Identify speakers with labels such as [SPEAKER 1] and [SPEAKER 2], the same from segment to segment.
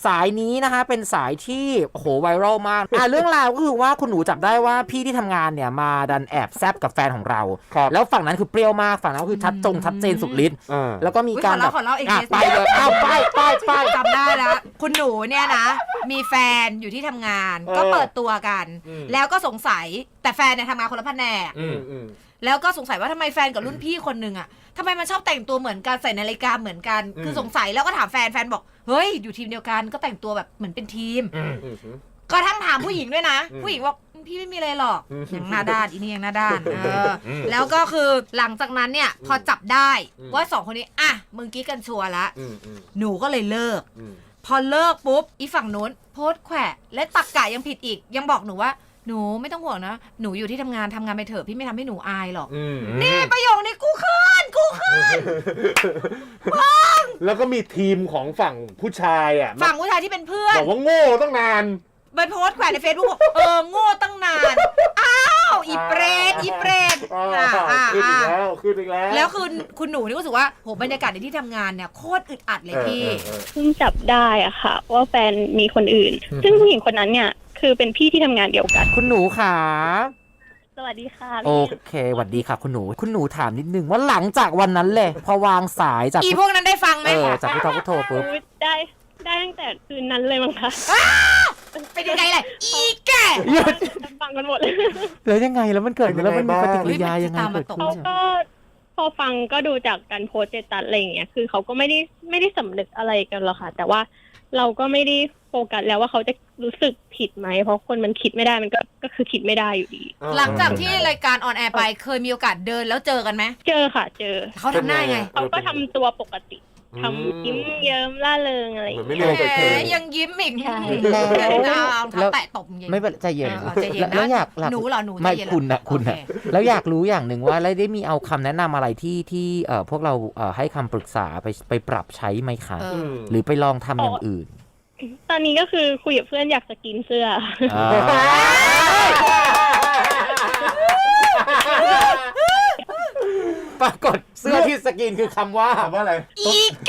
[SPEAKER 1] สายนี้นะคะเป็นสายที่โอ้โหไวรัลมากเรื่องราวก็คือว่าคุณหนูจับได้ว่าพี่ที่ทำงานเนี่ยมาดันแอบแซบกับแฟนของเราแล้วฝั่งนั้นคือเปรี้ยวมากฝั่งนั้นก็คือชัดเจนสุดฤทธิ์แล้วก็มีการแบบไปเลยไป
[SPEAKER 2] จำได้แล้วคุณหนูเนี่ยนะมีแฟนอยู่ที่ทำงานก็เปิดตัวกันแล้วก็สงสัยแต่แฟนเนี่ยทำงานคนละแผนกแล้วก็สงสัยว่าทำไมแฟนกับรุ่นพี่คนนึงอ่ะทำไมมันชอบแต่งตัวเหมือนกันใส่นาฬิกาเหมือนกันคือสงสัยแล้วก็ถามแฟนบอกเฮ้ยอยู่ทีมเดียวกันก็แต่งตัวแบบเหมือนเป็นทีมก็ทั้งถามผู้หญิงด้วยนะผู้หญิงบอกพี่ไม่มีอะไรหรอกยังหน้าด้านอีนี่ยังหน้าด้านแล้วก็คือหลังจากนั้นเนี่ยพอจับได้ว่าสองคนนี้อ่ะมึงกี้กันชัวร์ละหนูก็เลยเลิกพอเลิกปุ๊บอีฝั่งนู้นโพสต์แขวะและตักกะยังผิดอีกยังบอกหนูว่าหนูไม่ต้องห่วงนะหนูอยู่ที่ทำงานไปเถอะพี่ไม่ทำให้หนูอายหรอกนี่ประโยคนี้กูขึ้น
[SPEAKER 3] แล้วก็มีทีมของฝั่งผู้ชายอ่ะ
[SPEAKER 2] ฝั่งผู้ชายที่เป็นเพื่อน
[SPEAKER 3] บอกว่าโง่ตั้งนาน
[SPEAKER 2] ไปโพสต์แขวนใน Facebook โง่ตั้งนานอ้าวอีเปรต
[SPEAKER 3] ขึ้นอีกแล้ว
[SPEAKER 2] แล้วคือคุณหนูนี่ก็รู้สึกว่าโหบรรยากาศในที่ทำงานเนี่ยโคตรอึดอัดเลยพี่
[SPEAKER 4] เพิ่งจับได้อะค่ะว่าแฟนมีคนอื่นซึ่งผู้หญิงคนนั้นเนี่ยคือเป็นพี่ที่ทำงานเดียวกัน
[SPEAKER 1] คุณหนูค่ะ
[SPEAKER 4] สวัสดีค่ะ
[SPEAKER 1] โอเคสวัสดีค่ะคุณหนูถามนิดนึงว่าหลังจากวันนั้นเลยพอวางสายจาก
[SPEAKER 2] อีพวกนั้นได้ฟังไหม
[SPEAKER 1] จากพี่ท็อปก็โทรปุ๊บ
[SPEAKER 4] ได้ตั้งแต่คืนนั้นเลยมั้งคะ
[SPEAKER 2] เป็นยังไงล่ะอีแก
[SPEAKER 4] ฟังกันหมด
[SPEAKER 1] แล้วยังไงแล้วมันเกิดแล้วมันมีปฏิกิริยายังไงเกิดขึ้น
[SPEAKER 4] เขาก็พอฟังก็ดูจากการโพสต์เจตัสอะไรอย่างเงี้ยคือเขาก็ไม่ได้สำนึกอะไรกันหรอกค่ะแต่ว่าเราก็ไม่ได้โฟกัสแล้วว่าเขาจะรู้สึกผิดไหมเพราะคนมันคิดไม่ได้มันก็คือคิดไม่ได้อยู่ดี
[SPEAKER 2] หลังจากที่รายการออนแอร์ไปเคยมีโอกาสเดินแล้วเจอกันไหม
[SPEAKER 4] เจอค่ะเจอ
[SPEAKER 2] เขาทำหน้าไง
[SPEAKER 4] เขาก็ทำตัวปกติทำยิ้มเยิ้มล่าเริงอะไรอย่างเงี้
[SPEAKER 2] ยยังยิ้มอีก
[SPEAKER 1] แล้ว
[SPEAKER 2] แตะตบ
[SPEAKER 1] ไม่เป็นใจเย็น
[SPEAKER 2] แล้วอยากหนูเหรอหนู
[SPEAKER 1] ไม่คุณนะแล้วอยากรู้อย่างหนึ่งว่าได้มีเอาคำแนะนำอะไรที่พวกเราให้คำปรึกษาไปปรับใช้ไหมคะหรือไปลองทำอย่างอื่น
[SPEAKER 4] ตอนนี้ก็คือคุยกับเพื่อนอยากจะกินเสื้อ
[SPEAKER 1] ปรากฏเสื้อที่สกินคือคำว่า
[SPEAKER 3] อะไร
[SPEAKER 2] อีแก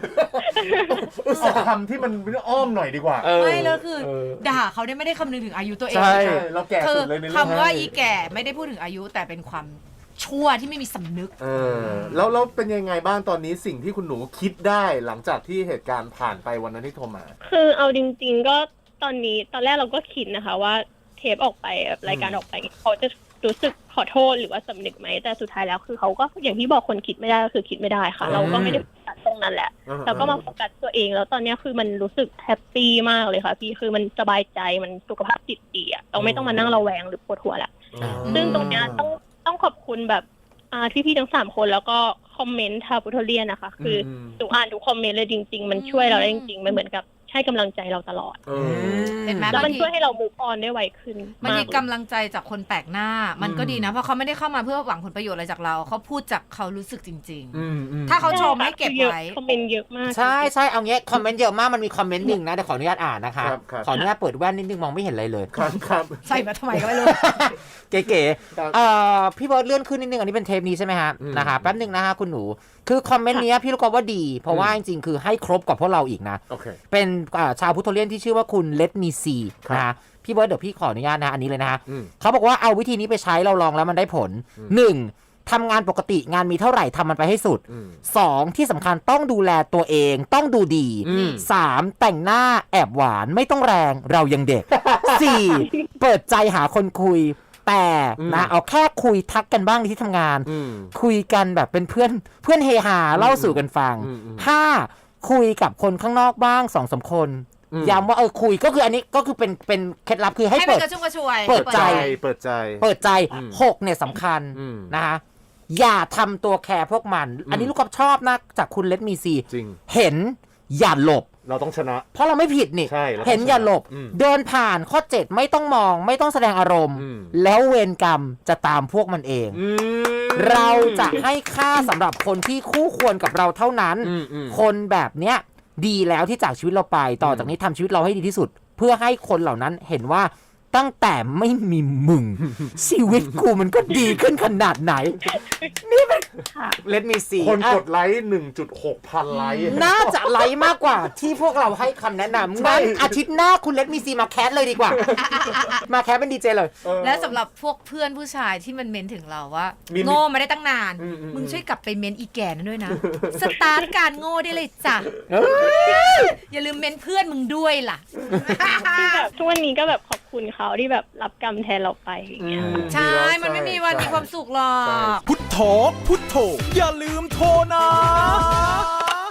[SPEAKER 3] คำที่มันอ้อมหน่อยดีกว่า
[SPEAKER 2] ไม่แล้วคือด่าเขาไม่ได้คำนึงถึงอายุตัวเอง
[SPEAKER 3] ใช่เราแก่สุดเลยในเรื่อง
[SPEAKER 2] คำว่าอีแก่ไม่ได้พูดถึงอายุแต่เป็นความชั่วที่ไม่มีสำนึก
[SPEAKER 3] แล้วเป็นยังไงบ้างตอนนี้สิ่งที่คุณหนูคิดได้หลังจากที่เหตุการณ์ผ่านไปวันนั้นที่โทรมา
[SPEAKER 4] คือเอาจริงๆก็ตอนแรกเราก็คิดนะคะว่าเทปออกไปรายการออกไปเขาจะรู้สึกขอโทษหรือว่าสำนึกไหมแต่สุดท้ายแล้วคือเขาก็อย่างที่บอกคนคิดไม่ได้ก็คือคิดไม่ได้ค่ะเราก็ไม่ได้โฟกัสตรงนั้นแหละเราก็มาโฟกัสตัวเองแล้วตอนนี้คือมันรู้สึกแฮปปี้มากเลยค่ะพี่คือมันสบายใจมันสุขภาพจิตดีอ่ะเราไม่ต้องมานั่งระแวงหรือปวดหัวละซึ่งตรงนี้ต้องขอบคุณแบบพี่ๆทั้ง3คนแล้วก็คอมเมนต์ทาปุทเรียนนะคะคือดูอ่านทุกคอมเมนต์เลยจริงๆมันช่วยเราได้จริงๆมันเหมือนกับให้กำลังใจเราตลอด
[SPEAKER 2] เห็นไหม
[SPEAKER 4] แล้วมันช่วยให้เรา move on ได้ไวขึ้น
[SPEAKER 2] มันมีกำลังใจจากคนแปลกหน้ามันก็ดีนะเพราะเขาไม่ได้เข้ามาเพื่อหวังผลประโยชน์อะไรจากเราเขาพูดจากเขารู้สึกจริงๆถ้าเขาชมให้เก็บไว้
[SPEAKER 4] คอมเมนต์เยอะมาก
[SPEAKER 1] ใช่เอางี้คอมเมนต์เยอะมากมันมีคอมเมนต์หนึ่งนะแต่ขออนุญาตอ่านนะคะขออนุญาตเปิดแว่นนิดนึงมองไม่เห็นอะไรเลย
[SPEAKER 3] ครับ
[SPEAKER 2] ใส่มาทำไมก็ไม่รู้
[SPEAKER 1] เก๋ๆพี่บอสเลื่อนขึ้นนิดนึงอันนี้เป็นเทปนี้ใช่ไหมฮะนะคะแป๊บนึงนะคะคุณหนูคือคอมเมนต์นี้พี่รู้ก็ว่าดีเพราะว่าจริงๆคือให้ครบกับพวกเราอีกนะเป็นชาวพุทธเลียนที่ชื่อว่าคุณเลดมีซีนะคะพี่เบิร์ดเดี๋ยวพี่ขออนุญาตนะอันนี้เลยนะฮะเขาบอกว่าเอาวิธีนี้ไปใช้เราลองแล้วมันได้ผล 1. ทำงานปกติงานมีเท่าไหร่ทำมันไปให้สุด 2. ที่สำคัญต้องดูแลตัวเองต้องดูดี 3. แต่งหน้าแอบหวานไม่ต้องแรงเรายังเด็ก 4. เปิดใจหาคนคุยแต่นะเอาแค่คุยทักกันบ้างที่ทำงานคุยกันแบบเป็นเพื่อนเฮฮาเล่าสู่กันฟัง 5. คุยกับคนข้างนอกบ้าง 2-3 คนย้ำว่าคุยก็คืออันนี้ก็คือเป็นเคล็ดลับคือให้เปิดใจ6เนี่ยสำคัญนะคะอย่าทำตัวแคร์พวกมันอันนี้ลูกกอล์ฟชอบนะจากคุณเลดมีซีเห็นอย่าหลบ
[SPEAKER 3] เราต้องชนะ
[SPEAKER 1] เพราะเราไม่ผิดนี่เห็นอย่าหลบเดินผ่านข้อ7ไม่ต้องมองไม่ต้องแสดงอารมณ์แล้วเวรกรรมจะตามพวกมันเองเราจะให้ค่าสำหรับคนที่คู่ควรกับเราเท่านั้นคนแบบเนี้ยดีแล้วที่จากชีวิตเราไปต่อจากนี้ทำชีวิตเราให้ดีที่สุดเพื่อให้คนเหล่านั้นเห็นว่าตั้งแต่ไม่มีมึง ชีวิตกูมันก็ดีขึ้นขนาดไหน นี่เป็น
[SPEAKER 4] ค่ะ
[SPEAKER 1] Let me see
[SPEAKER 3] คนกดไลค์ 1.6 พันไลค์
[SPEAKER 1] น่าจะไลค์มากกว่าที่พวกเราให้คำแนะนำงั้นอาทิตย์หน้าคุณ Let me see มาแคสเลยดีกว่า มาแคสเป็นดีเจเลย
[SPEAKER 2] แล้วสำหรับพวกเพื่อนผู้ชายที่มันเม้นถึงเราว่า
[SPEAKER 3] มี
[SPEAKER 2] โง่มาได้ตั้งนาน มึงช่วยกลับไปเม้นอีแก่นั่นด้วยนะ สตาร์ทการโง่ได้เลยจ้ะอย่าลืมเม้นเพื่อนมึงด้วยล่ะ
[SPEAKER 4] ที่แบบทุกวันนี้ก็แบบขอบคุณเขาที่แบบรับกรรมแทนเราไปอย่างเงี้ย
[SPEAKER 2] ใช่ มันไม่มีวันมีความสุขหรอก
[SPEAKER 5] พุทโธพุทโธอย่าลืมโทรนะ